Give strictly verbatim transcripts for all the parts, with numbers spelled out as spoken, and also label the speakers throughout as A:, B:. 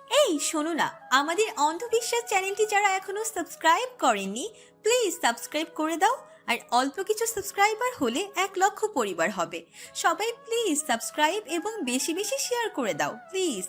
A: এই শোনো না, আমাদের অন্ধবিশ্বাস চ্যানেলটি যারা এখনো সাবস্ক্রাইব করেননি, প্লিজ সাবস্ক্রাইব করে দাও। আর অল্প কিছু সাবস্ক্রাইবার হলে এক লক্ষ পরিবার হবে। সবাই প্লিজ সাবস্ক্রাইব এবং বেশি বেশি শেয়ার করে দাও প্লিজ।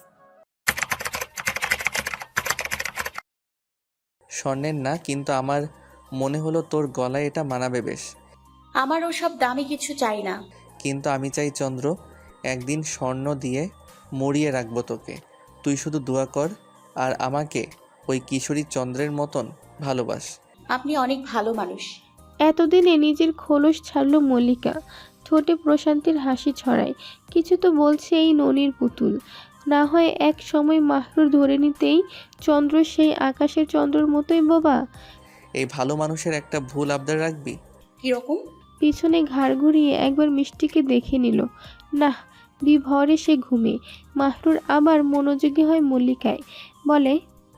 B: স্বর্ণের না, কিন্তু আমার মনে হলো তোর গলায় এটা মানাবে বেশ।
C: আমার ওসব দামি কিছু চাই না।
B: কিন্তু আমি চাই চন্দ্র, একদিন স্বর্ণ দিয়ে মরিয়ে রাখবো তোকে। তুই শুধু দোয়া কর আর আমাকে ওই কিশোরী চন্দ্রের মতন ভালোবাস।
C: আপনি অনেক ভালো মানুষ।
D: এতদিনে নিজের খোলস ছাড়ল মল্লিকা। ঠোঁটে প্রশান্তির হাসি ছড়ায়। কিছু তো বলছে এই ননির পুতুল। না হয় এক সময় মাহরুর ধরে নিতেই চন্দ্র সেই আকাশের চন্দ্রর মতোই বোবা।
B: এই ভালো মানুষের একটা ভুল আবদার রাখবি।
C: কিরকম?
D: পিছনে ঘাড় ঘুরিয়ে একবার মিষ্টিকে দেখে নিল। না, বিভরে সে ঘুমে। মাহরুর আবার মনোযোগী হয় মল্লিকায়। বলে,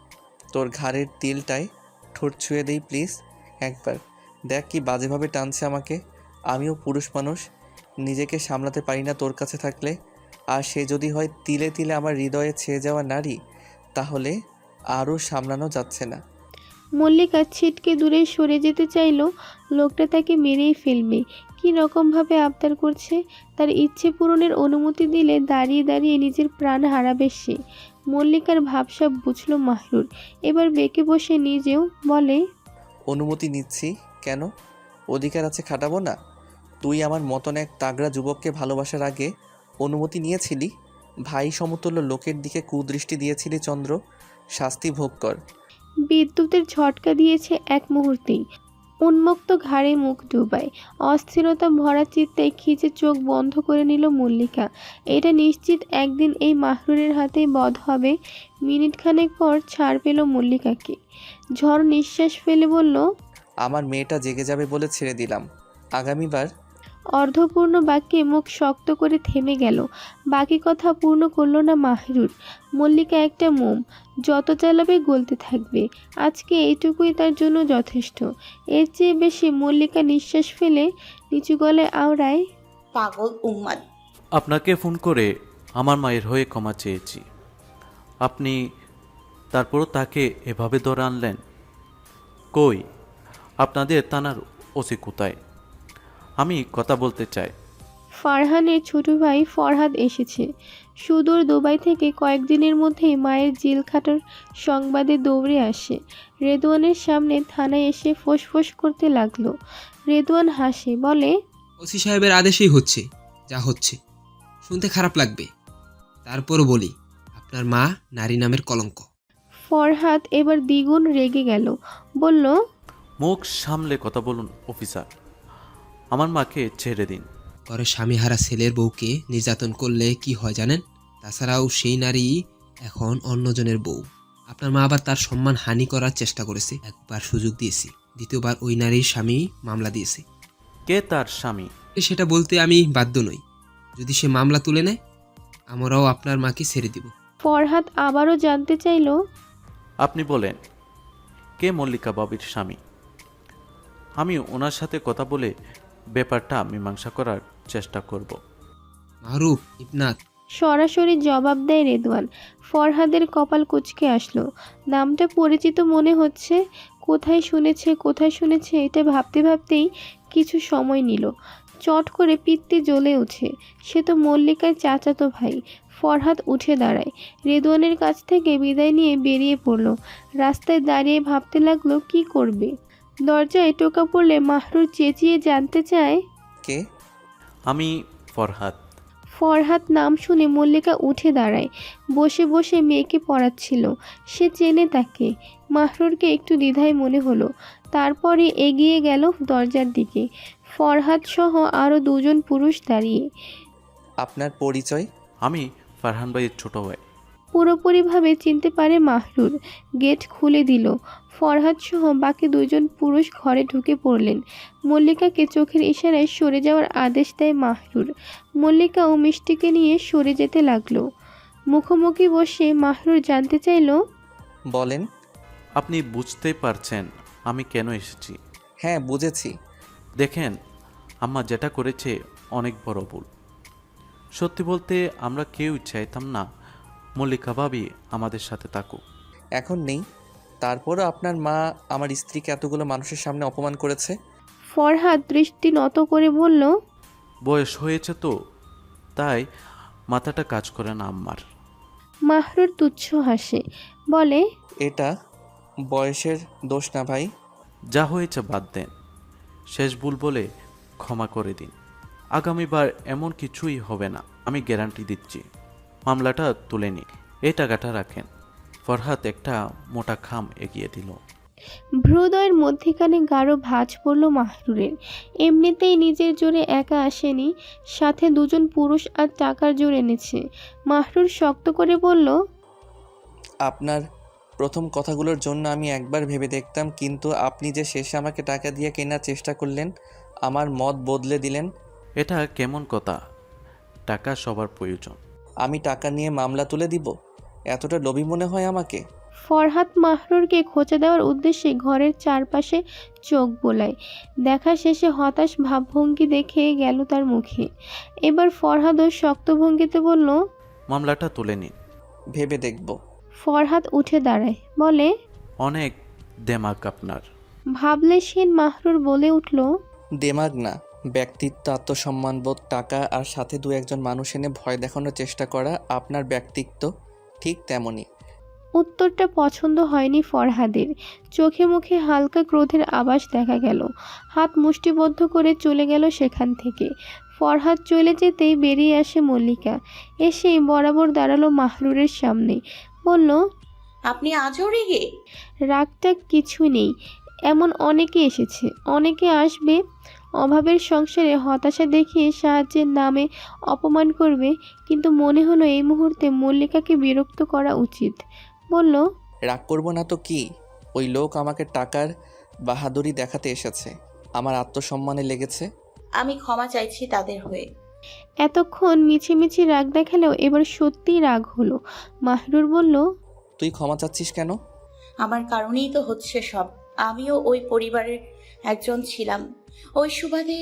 B: তোর ঘাড়ের তিলটায় ঠোঁট ছুঁয়ে দেই প্লিজ একবার। দেখ কি বাজেভাবে টানছে আমাকে। আমিও পুরুষ মানুষ, নিজেকে সামলাতে পারি না তোর কাছে থাকলে। আর সে যদি হয় তিলে তিলে আমার হৃদয়ে ছেয়ে যাওয়া নারী, তাহলে আরও সামলানো যাচ্ছে না।
D: মল্লিকা ছিটকে দূরে সরে যেতে চাইল। লোকটা তাকে মেরেই ফেলবে। কি রকমভাবে আবদার করছে। তার ইচ্ছে পূরণের অনুমতি দিলে দাঁড়িয়ে দাঁড়িয়ে নিজের প্রাণ হারাবে সে। মল্লিকার ভাবসাব বুঝল মাহরুর। এবার বেঁকে বসে নিজেও বলে,
B: অনুমতি নিচ্ছি কেন? অধিকার আছে, খাটাবো না? তুই আমার মতন এক তাগড়া যুবককে ভালোবাসার আগে অনুমতি নিয়েছিলি? ভাই সমতুল্য লোকের দিকে কুদৃষ্টি দিয়েছিলি চন্দ্র। শাস্তি ভোগ কর।
D: বিদ্যুতের ঝটকা দিয়েছে এক মুহূর্তেই। উন্মুক্ত ঘাড়ে মুখ ডুবায়। অস্থিরতা ভরা চিত্তে খিচে চোখ বন্ধ করে নিল মল্লিকা। এটা নিশ্চিত একদিন এই মাহরুরের হাতেই বধ হবে। মিনিট খানেক পর ছাড় পেল মল্লিকাকে। ঝড় নিঃশ্বাস ফেলে বলল,
B: আমার মেয়েটা জেগে যাবে বলে ছেড়ে দিলাম। আগামীবার।
D: অর্ধপূর্ণ বাক্যে মুখ শক্ত করে থেমে গেল। বাকি কথা পূর্ণ করল না মাহরুর। মল্লিকা একটা মোম, যত জ্বালাবে গলতে থাকবে। আজকে এইটুকুই তার জন্য যথেষ্ট। এর চেয়ে বেশি মল্লিকা নিঃশ্বাস ফেলে নিচু গলায় আওড়ায়,
C: পাগল উম্মাদ।
E: আপনাকে ফোন করে আমার মায়ের হয়ে ক্ষমা চেয়েছি। আপনি তারপরও তাকে এভাবে ধরে আনলেন। কই আপনাদের থানার ওসি কোথায়? আমি কথা বলতে চাই।
D: ফারহানের ছোট ভাই ফরহাদ এসেছে। সুদূর দুবাই থেকে কয়েকদিনের মধ্যেই মায়ের জেল খাটার সংবাদে দৌড়ে আসে। রেদওয়ানের সামনে থানায় এসে ফোঁস-ফোঁস করতে লাগলো। রেদওয়ান হাসে, বলে,
F: ওসি সাহেবের আদেশেই হচ্ছে যা হচ্ছে। শুনতে খারাপ লাগবে, তারপরও বলি, আপনার মা নারী নামের কলঙ্ক।
D: ফরহাদ এবার দ্বিগুণ রেগে গেল। বলল,
E: মুখ সামলে কথা বলুন অফিসার। আমার মাকে ছেড়ে দিন।
F: ঘরে স্বামীহারা ছেলের বউকে নির্যাতন করলে কি হয় জানেন? তাছাড়াও সেই নারী এখন অন্যজনের বউ। আপনার মা আবার তার সম্মান হানি করার চেষ্টা করেছে। একবার সুযোগ দিয়েছি, দ্বিতীয়বার ওই নারীর স্বামী মামলা দিয়েছে।
E: কে তার স্বামী?
F: সেটা বলতে আমি বাধ্য নই। যদি সে মামলা তুলে নেয়, আমরাও আপনার মাকে ছেড়ে দিব।
D: ফরহাদ আবারও জানতে চাইল,
E: আপনি বলেন, কে মল্লিকা বাবির স্বামী? আমি ওনার সাথে কথা বলে ব্যাপারটা মীমাংসা করার চেষ্টা করব।
F: মাহরুফ ইবনাথ।
D: সরাসরি জবাব দেয় রেদওয়ান। ফরহাদের কপাল কুঁচকে আসলো। নামটা পরিচিত মনে হচ্ছে। কোথায় শুনেছে কোথায় শুনেছে এটা ভাবতে ভাবতেই কিছু সময় নিল। চট করে পিত্তে জ্বলে ওঠে। সে তো মল্লিকার চাচাতো ভাই। ফরহাদ উঠে দাঁড়ায়। রেদওয়ানের কাছ থেকে বিদায় নিয়ে বেরিয়ে পড়ল। রাস্তায় দাঁড়িয়ে ভাবতে লাগলো কি করবে। দরজায় টোকা পড়লে মাহরুর চেঁচিয়ে জানতে চায়,
B: কে?
E: আমি ফরহাদ।
D: ফরহাদ নাম শুনে মল্লিকা উঠে দাঁড়ায়। বসে বসে মেয়েকে পড়াচ্ছিল। সে চেনে তাকে। মাহরুরকে একটু দ্বিধায় মনে হলো। তারপরে এগিয়ে গেল দরজার দিকে। ফরহাদ সহ আরও দুজন পুরুষ দাঁড়িয়ে।
B: আপনার পরিচয়?
E: আমি ফারহান ভাইয়ের ছোট ভাই।
D: পুরোপুরিভাবে চিনতে পারে মাহরুর। গেট খুলে দিল। ফরহাদ সহ বাকি দুজন পুরুষ ঘরে ঢুকে পড়লেন। মল্লিকাকে চোখের ইশারায় সরে যাওয়ার আদেশ দেয় মাহরুর। মল্লিকা ও মিষ্টিকে নিয়ে সরে যেতে লাগলো। মুখোমুখি বসে মাহরুর জানতে চাইল,
B: বলেন।
E: আপনি বুঝতে পারছেন আমি কেন এসেছি?
B: হ্যাঁ, বুঝেছি।
E: দেখেন, আম্মা যেটা করেছে অনেক বড় ভুল। সত্যি বলতে আমরা কেউই চাইতাম না মল্লিকা ভাবি আমাদের সাথে থাকুক।
B: এখন নেই, তারপরও আপনার মা আমার স্ত্রীকে এতগুলো মানুষের সামনে অপমান করেছে।
D: ফরহাদ দৃষ্টি নত করে বলল,
E: বয়স হয়েছে তো, তাই মাথাটা কাজ করে না আম্মার।
D: মাহরুর তুচ্ছ হাসে, বলে,
B: এটা বয়সের দোষ না ভাই।
E: যা হয়েছে বাদ দেন, শেষ ভুল বলে ক্ষমা করে দিন। আগামীবার এমন কিছুই হবে না, আমি গ্যারান্টি দিচ্ছি। মামলাটা তুলে নিন, এই টাকাটা রাখেন। ফরহাদ একটা মোটা খাম এগিয়ে দিল।
D: ভ্রুদয়ের মধ্যিখানে গাঢ় ভাঁজ পড়ল মাহরুরের। এমনিতেই নিজের জোরে একা আসেনি, সাথে দুজন পুরুষ আর টাকার জোর এনেছে। মাহরুর শক্ত করে বলল,
B: আপনার প্রথম কথাগুলোর জন্য আমি একবার ভেবে দেখতাম, কিন্তু আপনি যে শেষে আমাকে টাকা দিয়ে কেনার চেষ্টা করলেন, আমার মত বদলে দিলেন।
E: এটা কেমন কথা? টাকা সবার প্রয়োজন।
B: আমি টাকা নিয়ে মামলা তুলে দিব? এতটা লোভী মনে হয় আমাকে?
D: ফরহাদ মাহরুরকে খোঁচা দেওয়ার উদ্দেশ্যে ঘরের চারপাশে চোখ বোলায়। দেখা শেষে হতাশ ভাবভঙ্গি দেখে গেল তার মুখে। এবার ফরহাদও শক্ত ভঙ্গিতে বলল,
E: মামলাটা তুলে নিন।
B: ভেবে দেখব।
D: ফরহাদ উঠে দাঁড়ায়, বলে,
E: অনেক দেমাগ আপনার।
D: ভাবলেশহীন মাহরুর বলে উঠল,
B: দেমাগ না, ব্যক্তিত্ব, আত্মসম্মানবোধ, টাকা আর সাথে দু একজন মানুষ এনে ভয় দেখানোর চেষ্টা করা আপনার ব্যক্তিত্ব ঠিক তেমনই।
D: উত্তরটা পছন্দ হয়নি ফরহাদের। চোখে মুখে হালকা ক্রোধের আভাস দেখা গেল। হাত মুষ্টিবদ্ধ করে চলে গেল সেখান থেকে। ফরহাদ চলে যেতেই বেরিয়ে আসে মল্লিকা। এসেই বরাবর দাঁড়ালো মাহরুরের সামনে, বলল,
C: আপনি আজও রেগে?
D: রাগটা কিছু নেই, এমন অনেকে এসেছে, অনেকে আসবে। অভাবের সংসারে হতাশা দেখিয়ে সাহায্যের নামে অপমান করবে, কিন্তু মনে হলো এই মুহূর্তে মল্লিকাকে বিরক্ত করা উচিত। বলল,
B: রাগ করব না তো কি? ওই লোক আমাকে টাকার বাহাদুরি দেখাতে এসেছে, আমার আত্মসম্মানে লেগেছে।
C: আমি ক্ষমা চাইছি তাদের হয়ে।
D: এতক্ষণ মিছিমিছি রাগ দেখালেও এবার সত্যিই রাগ হলো। মাহরুর বলল,
B: তুই ক্ষমা চাচ্ছিস কেন?
C: আমার কারণেই তো হচ্ছে সব। আমিও ওই পরিবারের একজন ছিলাম, ওই সুবাদে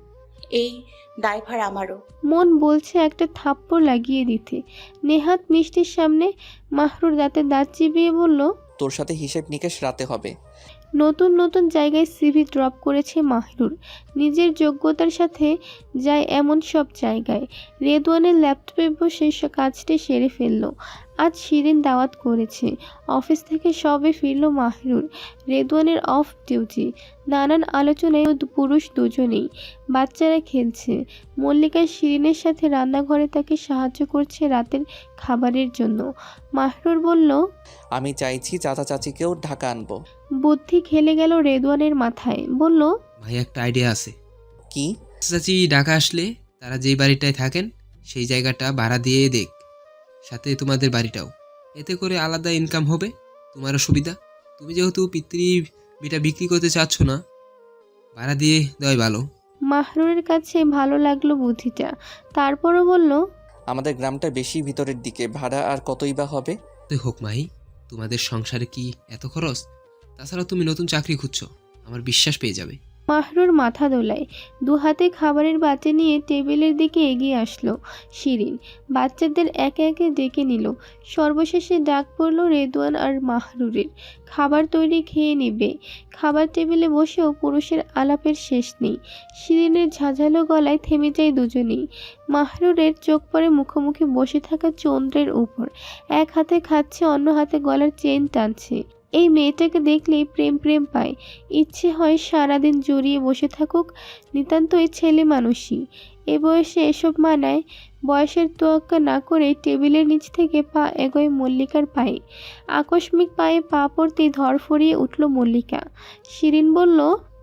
C: এই দায়ভার আমারও।
D: মন বলছে একটা থাপ্পড় লাগিয়ে দিতে। নেহাত মিষ্টির সামনে মাহরুর দাঁতে দাঁত চিবিয়ে বলল,
B: তোর সাথে হিসেব নিকেশ রাতে হবে।
D: নতুন নতুন জায়গায় সিভি ড্রপ করেছে মাহরুর, নিজের যোগ্যতার সাথে যায় এমন সব জায়গায়। রেদওয়ানের ল্যাপটপে বসে সে কাজটি সেরে ফেলল। আজ শিরিন দাওয়াত করেছে। অফিস থেকে সবে ফিরল মাহরুর। রেদওয়ানের অফ ডিউটি। নানান আলোচনায় পুরুষ দুজনেই। বাচ্চারা খেলছে। মল্লিকা শিরিনের সাথে রান্নাঘরে তাকে সাহায্য করছে রাতের খাবারের জন্য। মাহরুর বলল,
B: আমি চাইছি চাচা চাচিকেও ঢাকা আনবো।
D: বুদ্ধি খেলে গেল রেদওয়ানের মাথায়। বলল,
F: ভাই একটা আইডিয়া আছে।
B: কি?
F: চাচি ঢাকা আসলে তারা যেই বাড়িটায় থাকেন সেই জায়গাটা ভাড়া দিয়ে দেখ, সাথে তোমাদের বাড়িটাও। এতে করে আলাদা ইনকাম হবে, তোমারও সুবিধা। তুমি যেহেতু পিতৃ বিটা বিক্রি করতে চাচ্ছ না, ভাড়া দিয়ে দেওয়াই ভালো।
D: মাহরুরের কাছে ভালো লাগলো বুদ্ধিটা। তারপরও বলল,
B: আমাদের গ্রামটা বেশি ভিতরের দিকে, ভাড়া আর কতই বা হবে?
F: তো হোক মাহি, তোমাদের সংসারে কি এত খরচ? তাছাড়া তুমি নতুন চাকরি খুঁজছো, আমার বিশ্বাস পেয়ে যাবে।
D: মাহরুর মাথা দোলায়। দু হাতে খাবারের বাটি নিয়ে টেবিলের দিকে এগিয়ে আসলো শিরিন। বাচ্চাদের একে একে ডেকে নিল। সর্বশেষে ডাক পড়ল রেদওয়ান আর মাহরুরের। খাবার তৈরি, খেয়ে নেবে। খাবার টেবিলে বসেও পুরুষের আলাপের শেষ নেই। শিরিনের ঝাঁঝালো গলায় থেমে যায় দুজনেই। মাহরুরের চোখ পড়ে মুখোমুখি বসে থাকা চন্দ্রের উপর। এক হাতে খাচ্ছে, অন্য হাতে গলার চেন টানছে। এই মেয়েটাকে দেখলেই প্রেম প্রেম পায়। ইচ্ছে হয় সারাদিন জড়িয়ে বসে থাকুক। নিতান্তই ছেলে মানুষই, এ বয়সে এসব মানায়। বয়সের তোয়াক্কা না করে টেবিলের নিচ থেকে পা এগোয় মল্লিকার পায়ে। আকস্মিক পায়ে পা পড়তেই ধরফরিয়ে উঠল মল্লিকা। শিরিন বলল,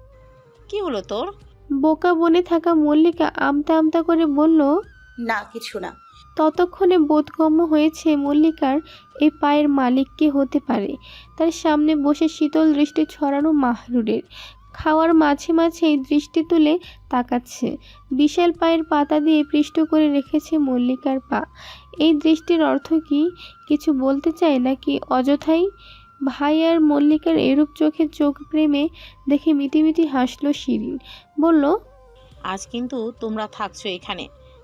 G: কি হলো তোর?
D: বোকা বনে থাকা মল্লিকা আমতা আমতা করে বলল,
C: না কিছু না।
D: ততক্ষণে বোধগম্য হয়েছে মল্লিকার এই পায়ের মালিক কে হতে পারে। তার সামনে বসে শীতল দৃষ্টি ছড়ানো মাহরুরের। খাওয়ার মাঝে মাঝেই দৃষ্টি তুলে তাকাচ্ছে। বিশাল পায়ের পাতা দিয়ে পৃষ্ঠ করে রেখেছে মল্লিকার পা। এই দৃষ্টির অর্থ কি? কিছু বলতে চায় নাকি অযথাই? ভাই আর মল্লিকার এরূপ চোখে চোখ প্রেমে দেখে মিটিমিটি হাসল শিরিন। বলল,
G: আজ কিন্তু তোমরা থাকছো এখানে,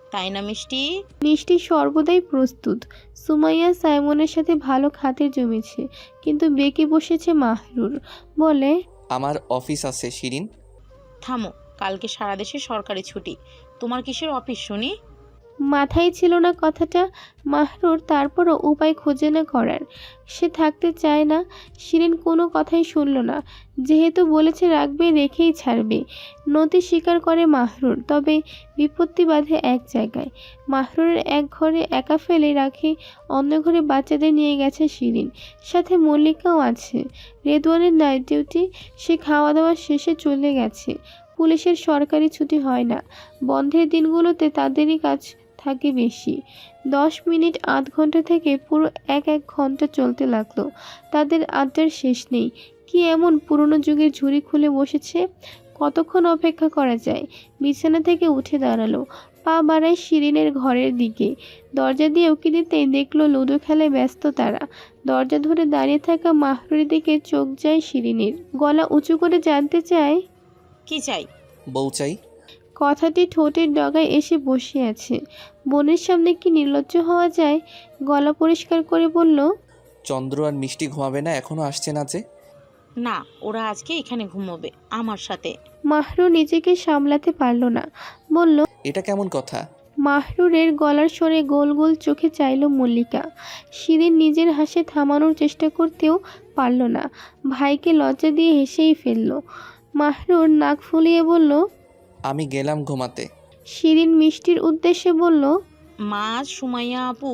G: তাই না মিষ্টি?
D: মিষ্টি সর্বদাই প্রস্তুত। সুমাইয়া সাইমনের সাথে ভালো খাতির জমেছে, কিন্তু বেঁকে বসেছে মাহরুর। বলে,
B: আমার অফিস আছে শিরিন।
G: থামো, কালকে সারা দেশে সরকারি ছুটি, তোমার কিসের অফিস শুনি?
D: মাথায় ছিল না কথাটা মাহরুর, তারপরও উপায় খোঁজে না করার। সে থাকতে চায় না। শিরিন কোনো কথাই শুনল না। যেহেতু বলেছে রাখবে, রেখেই ছাড়বে। নতি স্বীকার করে মাহরুর, তবে বিপত্তি বাঁধে এক জায়গায়। মাহরুরের এক ঘরে একা ফেলে রাখে, অন্য ঘরে বাচ্চাদের নিয়ে গেছে শিরিন। সাথে মল্লিকাও আছে। রেদওয়ানের নাইট ডিউটি, সে খাওয়া দাওয়া শেষে চলে গেছে। পুলিশের সরকারি ছুটি হয় না। বন্ধের দিনগুলোতে তাদেরই কাজ থাকে বেশি। দশ মিনিট আধ ঘন্টা থেকে পুরো এক এক ঘন্টা চলতে লাগলো। তাদের আড্ডার শেষ নেই। কি এমন পুরনো যুগের ঝুড়ি খুলে বসেছে? কতক্ষণ অপেক্ষা করা যায়? বিছানা থেকে উঠে দাঁড়ালো, পা বাড়ায় শিরিনের ঘরের দিকে। দরজা দিয়ে উকি দিতেই দেখলো লুডো খেলায় ব্যস্ত তারা। দরজা ধরে দাঁড়িয়ে থাকা মাহরুরের দিকে চোখ যায় শিরিনের। গলা উঁচু করে জানতে চায়,
G: কি চাই?
B: বউ চাই।
D: কথাটি ঠোঁটের ডগায় এসে বসে আছে। বোনের সামনে কি নির্লজ্জ হওয়া যায়? গলা পরিষ্কার করে বলল,
B: চন্দ্র আর মিষ্টি ঘুমাবে না? এখনো আসছে না যে?
G: না, ওরা আজকে এখানে ঘুমোবে আমার সাথে।
D: মাহরুর নিজেকে সামলাতে পারল না, বলল,
B: এটা কেমন কথা?
D: মাহরুরের গলার স্বরে গোল গোল চোখে চাইল মল্লিকা। শিরিন নিজের হাসি থামানোর চেষ্টা করতেও পারল না। ভাইকে লজ্জা দিয়ে হেসেই ফেলল। মাহরুর নাক ফুলিয়ে বলল,
B: আমি গেলাম ঘুমাতে।
D: শিরিন মিষ্টির উদ্দেশ্যে বলল,
G: মা, সুমাইয়া আপু,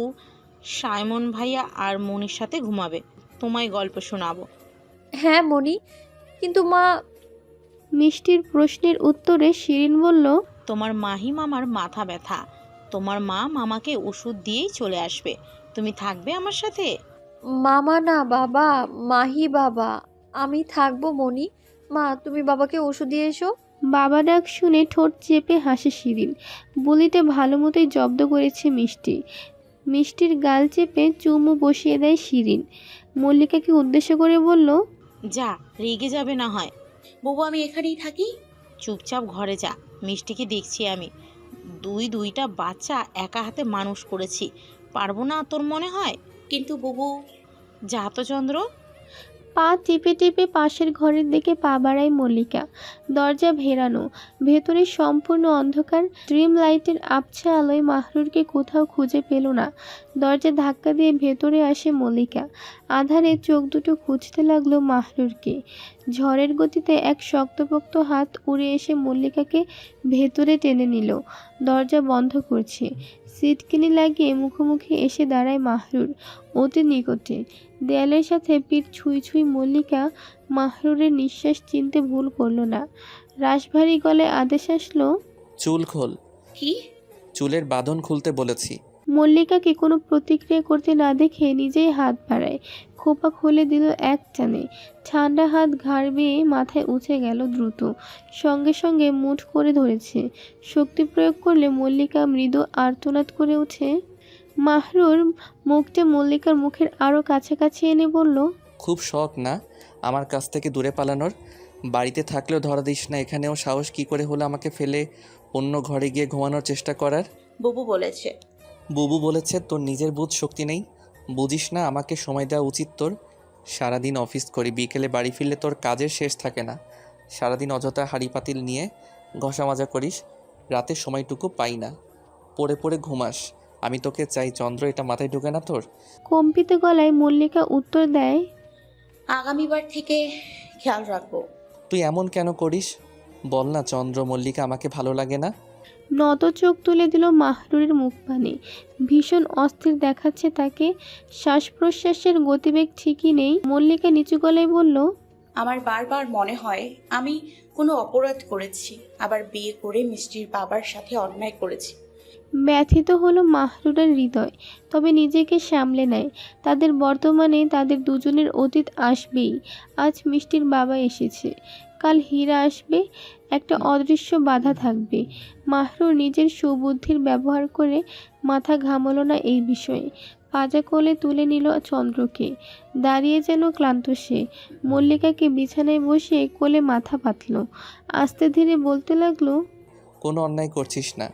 G: সাইমন ভাইয়া আর মনির সাথে ঘুমাবে। তোমায় গল্প শোনাবো।
H: হ্যাঁ মনি, কিন্তু মা।
D: মিষ্টির প্রশ্নের উত্তরে শিরিন বলল,
G: তোমার মাহি মামার মাথা ব্যথা, তোমার মা মামাকে ওষুধ দিয়েই চলে আসবে। তুমি থাকবে আমার সাথে?
H: মামা না বাবা, মাহি বাবা। আমি থাকবো মনি। মা, তুমি বাবাকে ওষুধ দিয়ে এসো।
D: বাবা ডাক শুনে ঠোঁট চেপে হাসে শিরিন। বলিতে ভালো মতোই জব্দ করেছে মিষ্টি। মিষ্টির গাল চেপে চুমু বসিয়ে দেয় শিরিন। মল্লিকাকে উদ্দেশ্য করে বলল,
G: যা, রেগে যাবে না হয়।
C: বাবু আমি এখানেই থাকি।
G: চুপচাপ ঘরে যা, মিষ্টিকে দেখছি আমি। দুই দুইটা বাচ্চা একা হাতে মানুষ করেছি, পারবো না তোর মনে হয়?
C: কিন্তু বুবু।
G: যা তো চন্দ্র।
D: পা টিপে টিপে পাশের ঘরের দিকে পা বাড়ায় মল্লিকা। দরজা ভেরানো, ভেতরে সম্পূর্ণ অন্ধকার। ড্রিম লাইটের আবছা আলোয় মাহরুরকে কোথাও খুঁজে পেল না। দরজা ধাক্কা দিয়ে ভেতরে আসে মল্লিকা। আধারে চোখ দুটো খুঁজতে লাগলো মাহরুরকে। ঝড়ের গতিতে এক শক্তপোক্ত হাত উড়ে এসে মল্লিকাকে ভেতরে টেনে নিল। দরজা বন্ধ করছে। সিটকিনি লাগিয়ে মুখোমুখি এসে দাঁড়ায় মাহরুর অতি নিকটে। দেয়ালের সাথে পিঠ ছুঁই ছুঁই মল্লিকা মাহরুরের নিঃশ্বাস চিনতে ভুল করল না। রাশভারী গলায় আদেশ আসলো,
B: চুল খোল।
C: কি?
B: চুলের বাঁধন খুলতে বলেছি।
D: মল্লিকাকে কোনো প্রতিক্রিয়া করতে না দেখে নিজেই হাত বাড়ায়। খোপা খুলে দিল এক টানে। ঠান্ডা হাত ঘাড় বেয়ে মাথায় উঠে গেল দ্রুত। সঙ্গে সঙ্গে মুঠ করে ধরেছে। শক্তি প্রয়োগ করলে মল্লিকা মৃদু আর্তনাদ করে ওঠে। মাহরুর মুখটা মল্লিকার মুখের আরও কাছাকাছি এনে বলল,
B: খুব শখ না আমার কাছ থেকে দূরে পালানোর? বাড়িতে থাকলেও ধরা দিস না, এখানেও সাহস কি করে হলো আমাকে ফেলে অন্য ঘরে গিয়ে ঘুমানোর চেষ্টা করার?
C: বুবু বলেছে।
B: বুবু বলেছে? তোর নিজের বুঝ শক্তি নেই? বুঝিস না আমাকে সময় দেওয়া উচিত তোর? সারাদিন অফিস করি, বিকেলে বাড়ি ফিরলে তোর কাজের শেষ থাকে না। সারাদিন অযথা হাঁড়ি পাতিল নিয়ে ঘষা মাজা করিস, রাতে সময়টুকু পাই না, পড়ে পড়ে ঘুমাস। আমি তোকে চাই চন্দ্র, এটা মাথায় ঢুকে না তোর?
D: কম্পিত গলায় মল্লিকা উত্তর দেয়,
C: আগামীবার থেকে খেয়াল রাখবো।
B: তুই এমন কেন করিস বল না চন্দ্র? মল্লিকা আমাকে ভালো লাগে না?
D: নত চোখ তুলে দিল মাহরুরের মুখপানে। ভীষণ অস্থির দেখাচ্ছে তাকে। শ্বাস প্রশ্বাসের গতিবেগ ঠিকই নেই। মল্লিকা নিচু গলায় বলল,
C: আমার বারবার মনে হয় আমি কোনো অপরাধ করেছি, আবার বিয়ে করে মিষ্টির বাবার সাথে অন্যায় করেছি।
D: ব্যথিত হলো মাহরুরের হৃদয়, তবে নিজেকে সামলে নেয়। তাদের বর্তমানে তাদের দুজনের অতীত আসবেই। আজ মিষ্টির বাবা এসেছে, কাল হীরা আসবে, একটা অদৃশ্য বাধা থাকবে। মাহরুর নিজের সুবুদ্ধির ব্যবহার করে মাথা ঘামালো না এই বিষয়ে। পাজা কোলে তুলে নিল চন্দ্রকে। দাঁড়িয়ে যেন ক্লান্ত সে। মল্লিকাকে বিছানায় বসে কোলে মাথা পাতল। আস্তে ধীরে বলতে লাগলো,
B: কোনো অন্যায় করছিস না,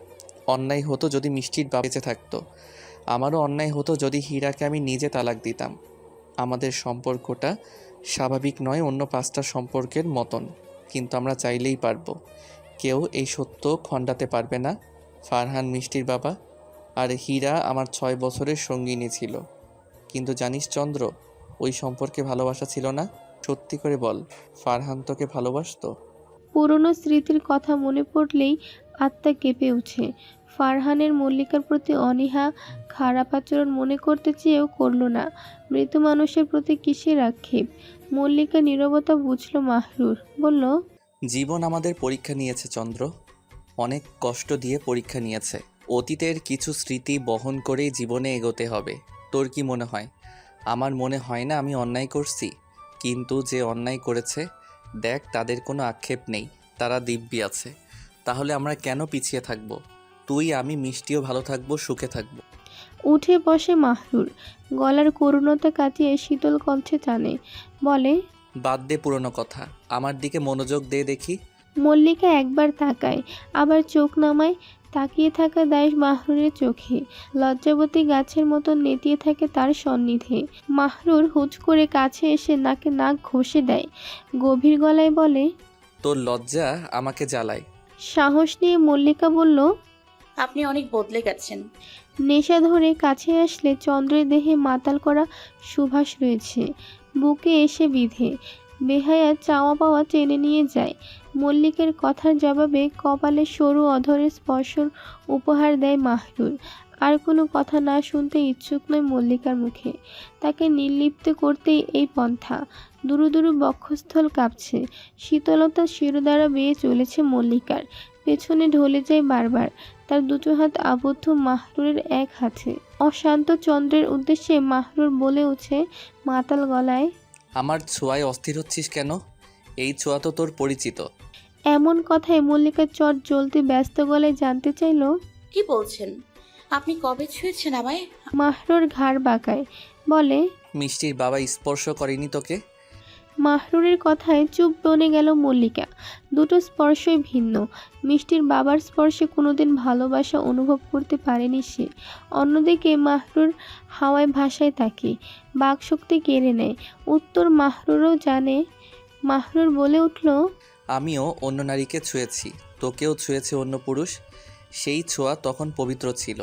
B: অন্যায় হতো যদি মিষ্টির বাবা বেঁচে থাকতো। আমারও অন্যায় হতো যদি হীরাকে আমি নিজে তালাক দিতাম। আমাদের সম্পর্কটা স্বাভাবিক নয় অন্য পাঁচটা সম্পর্কের মতন, কিন্তু আমরা চাইলেই পারবো। কেউ এই সত্য খণ্ডাতে পারবে না। ফারহান মিষ্টির বাবা, আর হীরা আমার ছয় বছরের সঙ্গিনী ছিল। কিন্তু জানিস চন্দ্র, ওই সম্পর্কে ভালোবাসা ছিল না। সত্যি করে বল, ফারহান তোকে ভালোবাসতো?
D: পুরনো স্মৃতির কথা মনে পড়লেই আত্মা কেঁপে ওঠে। ফারহানের মল্লিকার প্রতি অনীহা, খারাপ আচরণ মনে করতে চেয়েও করল না। মৃত মানুষের প্রতি কিসের আক্ষেপ? মল্লিকা নীরবতা বুঝল মাহরুর, বলল,
B: জীবন আমাদের পরীক্ষা নিয়েছে চন্দ্র, অনেক কষ্ট দিয়ে পরীক্ষা নিয়েছে। অতীতের কিছু স্মৃতি বহন করেই জীবনে এগোতে হবে। তোর কি মনে হয়? আমার মনে হয় না আমি অন্যায় করছি, কিন্তু যে অন্যায় করেছে দেখ, তাদের কোনো আক্ষেপ নেই, তারা দিব্যি আছে। তাহলে আমরা কেন পিছিয়ে থাকবো? তুই আমি মিষ্টিও ভালো থাকবো, সুখে থাকবো।
D: উঠে বসে মাহরুর, গলার করুণতা কাটিয়ে শীতল কণ্ঠে টানে, বলে,
B: বাদ দে পুরনো কথা, আমার দিকে মনোযোগ দে দেখি।
D: মল্লিকা একবার তাকায়, আবার চোখ নামায়। তাকিয়ে থাকা দায় মাহরুরের চোখে, লজ্জাবতী গাছের মতো নেতিয়ে থাকে তার সন্নিধে। মাহরুর হুট করে কাছে এসে নাকে নাক ঘষে দেয়, গভীর গলায় বলে,
B: তোর লজ্জা আমাকে জ্বালায়।
D: সাহস নিয়ে মল্লিকা বলল,
C: আপনি অনেক বদলে গেছেন।
D: নেশা ধরে কাছে আসলে চন্দ্রের দেহে মাতাল করা সুবাস রয়েছে, বুকে এসে বিধে বেহায়া চাওয়া পাওয়া টেনে নিয়ে যায়। মল্লিকের কথার জবাবে কপালে সরু অধরের স্পর্শর উপহার দেয় মাহরুর। আর কোনো কথা না শুনতে ইচ্ছুক নয় মল্লিকার মুখে। তাকে নির্লিপ্ত করতেই এই পন্থা। দুরু দুরু বক্ষস্থল কাঁপছে, শীতলতা শিরোদ্বারা বেয়ে চলেছে মল্লিকার, পেছনে ঢলে যায় বারবার। তার দুটো হাত আবদ্ধ মাহরুরের এক হাতে। অশান্ত চন্দ্রের উদ্দেশ্যে মাহরুর বলে ওঠে মাতাল গলায়,
B: আমার ছোঁয়ায় অস্থির হচ্ছিস কেন? এই ছোঁয়া তো তোর পরিচিত।
D: এমন কথায় মল্লিকার চট জ্বলতে ব্যস্ত গলায় জানতে চাইল,
C: কি বলছেন? আপনি কবে ছুঁয়েছেন আমায়?
D: মাহরুর ঘাড় বাঁকায়, বলে,
B: মিষ্টির বাবা স্পর্শ করেনি তোকে?
D: মাহরুরের কথায় চুপ বনে গেল মল্লিকা। দুটো স্পর্শই ভিন্ন। মিষ্টির বাবার স্পর্শে কোনোদিন ভালোবাসা অনুভব করতে পারেনি সে। অন্যদিকে মাহরুর হাওয়ায় ভাষায় তাকে বাকশক্তি কেড়ে নেয়। উত্তর মাহরুরও জানে। মাহরুর বলে উঠল,
B: আমিও অন্য নারীকে ছুঁয়েছি, তোকেও ছুঁয়েছে অন্য পুরুষ। সেই ছোঁয়া তখন পবিত্র ছিল।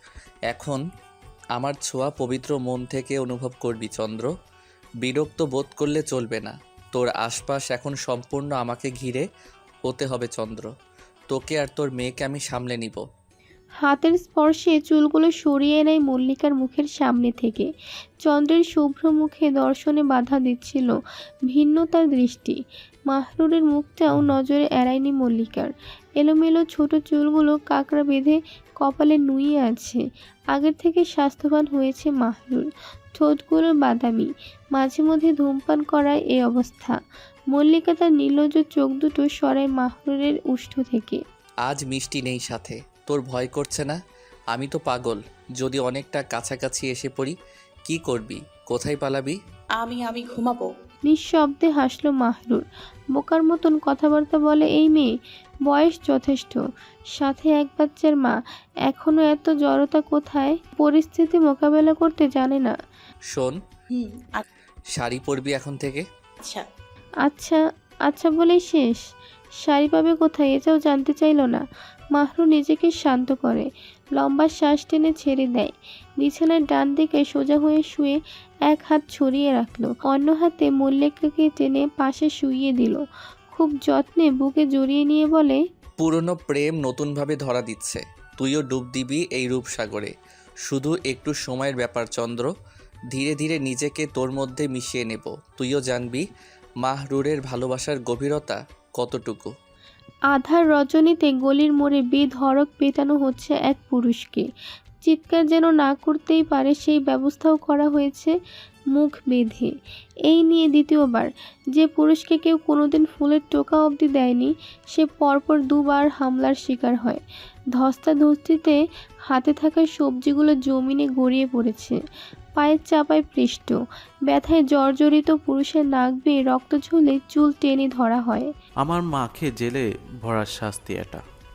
B: এখন আমার ছোঁয়া পবিত্র মন থেকে অনুভব করবি চন্দ্র। বিরক্ত বোধ করলে চলবে না। তোর আশপাশ এখন সম্পূর্ণ আমাকে ঘিরে হতে হবে চন্দ্র। তোকে আর তোর মেয়েকে আমি সামলে নিব।
D: হাতের স্পর্শে চুলগুলো সরিয়ে নেয় মল্লিকার মুখের সামনে থেকে। চন্দ্রের শুভ্র মুখে দর্শনে বাধা দিচ্ছিল ভিন্নতার দৃষ্টি। মাহরুরের মুখটাও নজরে এড়ায়নি মল্লিকার। এলোমেলো ছোট চুলগুলো কাঁকড়া বেঁধে কপালে নুয়ে আছে। আগের থেকে স্বাস্থ্যবান হয়েছে মাহরুর। ঠোঁটগুলো বাদামি, মাঝে মধ্যে ধূমপান করায় এই অবস্থা। মল্লিকা তার নির্লজ্জ চোখ দুটো সরায় মাহরুরের উষ্ঠ থেকে।
B: আজ মিষ্টি নেই সাথে, তোর ভয় করছে না? আমি তো পাগল। যদি অনেকটা কাছাকাছি এসে পড়ি, কি করবি? কোথায় পালাবি?
C: আমি আমি ঘুমাবো।
D: নিঃশব্দে হাসলো মাহরুর। বোকার মতন কথাবার্তা বলে এই মেয়ে, বয়স যথেষ্ট, সাথে এক বাচ্চার মা, এখনো এত জড়তা কোথায়? পরিস্থিতি মোকাবেলা করতে জানে না।
B: শোন,
C: হুম।
B: শাড়ি পরবি এখন থেকে।
C: আচ্ছা।
D: আচ্ছা আচ্ছা বলেই শেষ? শাড়ি পাবে কোথায় এটাও জানতে চাইল না। মাহরুর নিজেকে শান্ত করে, লম্বা শ্বাস টেনে ছেড়ে দেয়। বিছানার ডান দিকে সোজা হয়ে শুয়ে এক হাত ছড়িয়ে রাখলো, অন্য হাতে মল্লিকাকে টেনে পাশে শুইয়ে দিল। খুব যত্নে বুকে জড়িয়ে নিয়ে বলে,
B: পুরনো প্রেম নতুনভাবে ধরা দিচ্ছে। তুইও ডুব দিবি এই রূপসাগরে। শুধু একটু সময়ের ব্যাপার চন্দ্র। ধীরে ধীরে নিজেকে তোর মধ্যে মিশিয়ে নেব। তুইও জানবি মাহরুরের ভালোবাসার গভীরতা কতটুকু।
D: আধার রজনীতে গলির মোড়ে বেধড়ক পেটানো হচ্ছে এক পুরুষকে। চিৎকার যেন না করতেই পারে সেই ব্যবস্থাও করা হয়েছে মুখ বেঁধে। এই নিয়ে দ্বিতীয়বার যে পুরুষকে কেউ কোনোদিন ফুলের টোকা অবধি দেয়নি, সে পরপর দুবার হামলার শিকার হয়। ধস্তাধস্তিতে হাতে থাকা সবজিগুলো জমিনে গড়িয়ে পড়েছে, পায়ের চাপায় পৃষ্ঠ। ব্যথায় জর্জরিত পুরুষের নাক বেয়ে রক্ত ঝরলে চুল টেনে ধরা হয়।
E: আমার মাকে জেলে ভরার শাস্তি এটা।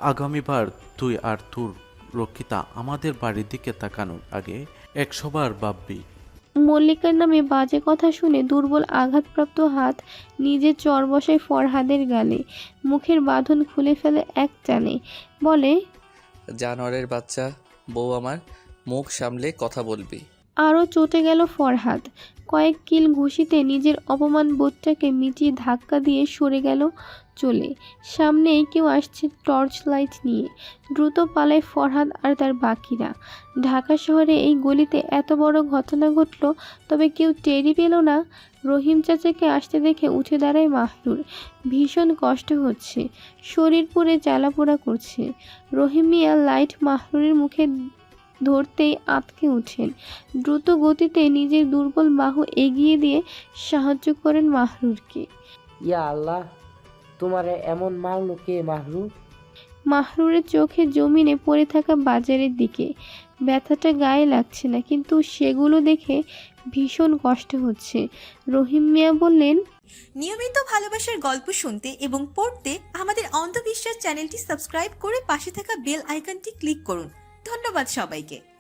E: আগামীবার তুই আর তোর রক্ষিতা আমাদের বাড়ির দিকে তাকানোর আগে একশোবার ভাববি।
D: মল্লিকার নামে বাজে কথা শুনে দুর্বল আঘাতপ্রাপ্ত হাত নিজের চর বসায় ফরহাদের গালে, মুখের বাঁধন খুলে ফেলে এক টানে, বলে,
B: জানোয়ারের বাচ্চা, বউ আমার, মুখ সামলে কথা বলবি।
D: আরও চটে গেল ফরহাদ। কয়েক কিল ঘুষিতে নিজের অপমান বোধটাকে মিটিয়ে ধাক্কা দিয়ে সরে গেল চলে। সামনেই কেউ আসছে টর্চ লাইট নিয়ে। দ্রুত পালায় ফরহাদ আর তার বাকিরা। ঢাকা শহরে এই গলিতে এত বড় ঘটনা ঘটল, তবে কেউ টেরই পেল না। রহিম চাচাকে আসতে দেখে উঠে দাঁড়ায় মাহরুর। ভীষণ কষ্ট হচ্ছে, শরীর পুড়ে জ্বালাপোড়া করছে। রহিম মিয়া লাইট মাহরুরের মুখে ধরতেই আঁতকে উঠেন। দ্রুত গতিতে নিজের দুর্বল বাহু এগিয়ে দিয়ে সাহায্য করেন মাহরুরকে।
I: ইয়া আল্লাহ, তোমারে এমন মারলো কে মাহরু?
D: মাহরুরের চোখে জমিনে পড়ে থাকা বাজারের দিকে। ব্যথাটা গায়ে লাগছে না, কিন্তু সেগুলো দেখে ভীষণ কষ্ট হচ্ছে। রহিম মিয়া বললেন,
A: নিয়মিত ভালোবাসার গল্প শুনতে এবং পড়তে আমাদের অন্ধবিশ্বাস চ্যানেলটি সাবস্ক্রাইব করে পাশে থাকা বেল আইকনটি ক্লিক করুন। ধন্যবাদ সবাইকে।